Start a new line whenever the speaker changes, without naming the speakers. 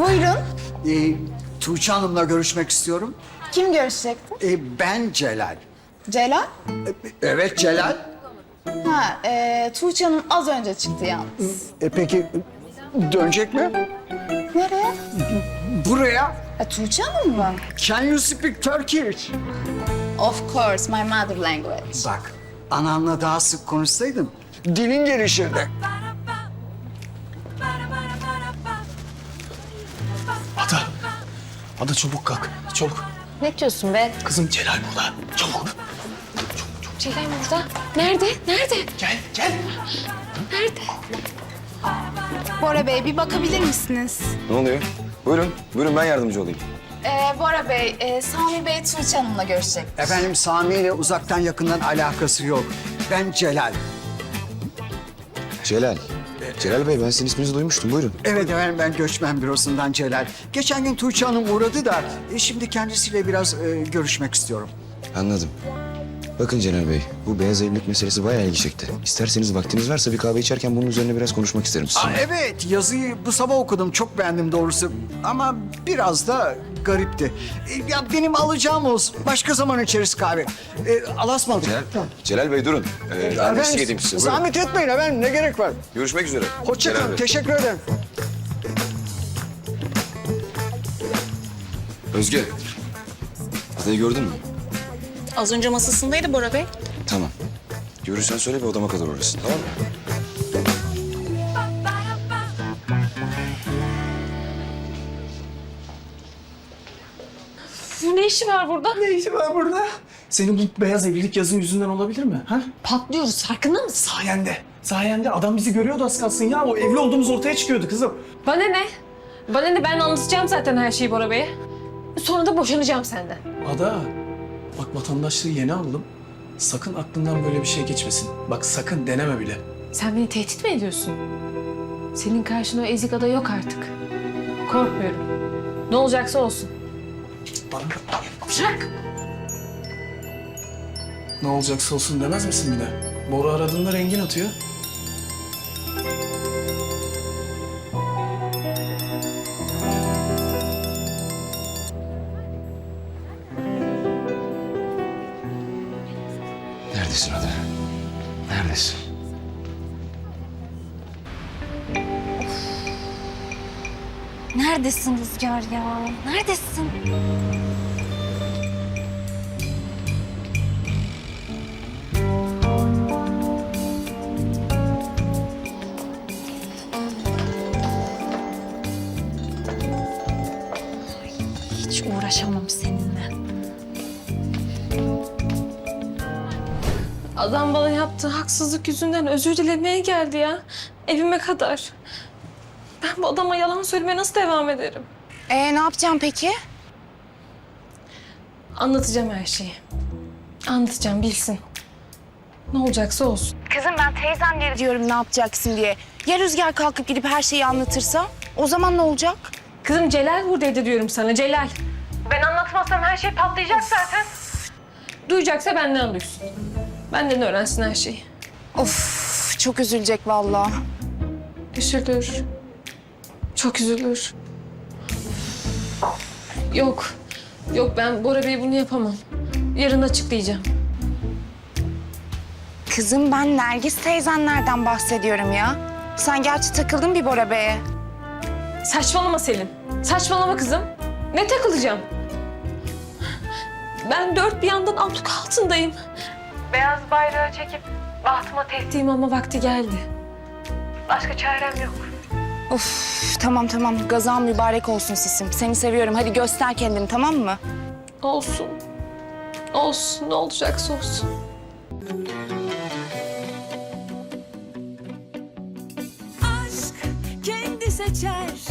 Buyurun.
Tuğçe Hanım'la görüşmek istiyorum.
Kim görüşecekti?
Ben Celal.
Celal?
Evet Celal.
Ha, Tuğçe Hanım az önce çıktı yalnız.
Peki dönecek mi?
Nereye?
Buraya.
Tuğçe Hanım mı?
Can you speak Turkish?
Of course, my mother language.
Bak, ananla daha sık konuşsaydın dilin gelişirdi.
Ada çabuk kalk. Çabuk.
Ne diyorsun be?
Kızım Celal burada. Çabuk.
Celal burada. Nerede? Nerede?
Gel.
Nerede?
Bora Bey, bir bakabilir misiniz?
Ne oluyor? Buyurun ben yardımcı olayım.
Bora Bey, Sami Bey Tuğçe Hanım'la görüşecek.
Efendim Sami ile uzaktan yakından alakası yok. Ben Celal.
Celal. Celal Bey ben sizin isminizi duymuştum. Buyurun.
Evet efendim ben göçmen bürosundan Celal. Geçen gün Tuğçe Hanım uğradı da şimdi kendisiyle biraz görüşmek istiyorum.
Anladım. Bakın Celal Bey, bu beyaz evlilik meselesi bayağı ilgi çekti. İsterseniz vaktiniz varsa bir kahve içerken bunun üzerine biraz konuşmak isterim sizinle.
Evet yazıyı bu sabah okudum çok beğendim doğrusu ama biraz da garipti. Ya benim alacağım olsun. Başka zaman içeriz kahve. Alasmadık.
Celal Bey durun. Ben eşlik edeyim size. Buyurun.
Zahmet etmeyin efendim ne gerek var?
Görüşmek üzere.
Hoşça
Celal
kalın
Bey.
teşekkür ederim.
Özge. Adayı gördün mü?
Az önce masasındaydı Bora Bey.
Tamam. Görürsen söyle bir odama kadar uğrasın tamam mı?
Ne işi var burada?
Ne işi var burada? Senin bu beyaz evlilik yazın yüzünden olabilir mi? Ha?
Patlıyoruz, farkında mısın?
Sayende adam bizi görüyordu az kalsın ya. O evli olduğumuz ortaya çıkıyordu kızım.
Bana ne? Bana ne? Ben anlatacağım zaten her şeyi Bora Bey'e. Sonra da boşanacağım senden.
Ada, bak vatandaşlığı yeni aldım. Sakın aklından böyle bir şey geçmesin. Bak sakın deneme bile.
Sen beni tehdit mi ediyorsun? Senin karşına o ezik ada yok artık. Korkmuyorum. Ne olacaksa olsun.
Bana
Bırak.
ne olacaksa olsun demez misin bir de? Bora aradığında rengin atıyor.
Neredesin Ada? Neredesin?
Neredesin Rüzgar ya? Neredesin? Hiç uğraşamam seninle.
Adam bana yaptığı haksızlık yüzünden özür dilemeye geldi ya. Evime kadar. Ben bu adama yalan söylemeye nasıl devam ederim?
Ne yapacağım peki?
Anlatacağım her şeyi. Anlatacağım, bilsin. Ne olacaksa olsun.
Kızım ben teyzemlere diyorum ne yapacaksın diye. Ya Rüzgar kalkıp gidip her şeyi anlatırsa? O zaman ne olacak?
Kızım Celal buradaydı diyorum sana, Celal. Ben anlatmazsam her şey patlayacak zaten. Duyacaksa benden duysun. Benden öğrensin her şeyi.
Of çok üzülecek vallahi.
Üzülür. Çok üzülür. Yok. Yok ben Bora Bey bunu yapamam. Yarın açıklayacağım.
Kızım ben Nergis teyzenlerden bahsediyorum ya. Sen gerçi takıldın bir Bora Bey'e.
Saçmalama Selin. Saçmalama kızım. Ne takılacağım? Ben dört bir yandan abluk altındayım. Beyaz bayrağı çekip bahtıma teslim olma vakti geldi. Başka çarem yok.
Of tamam gazan mübarek olsun sisim. Seni seviyorum hadi göster kendini tamam mı?
Olsun. Olsun. Ne olacaksa olsun.
Aşk kendi seçer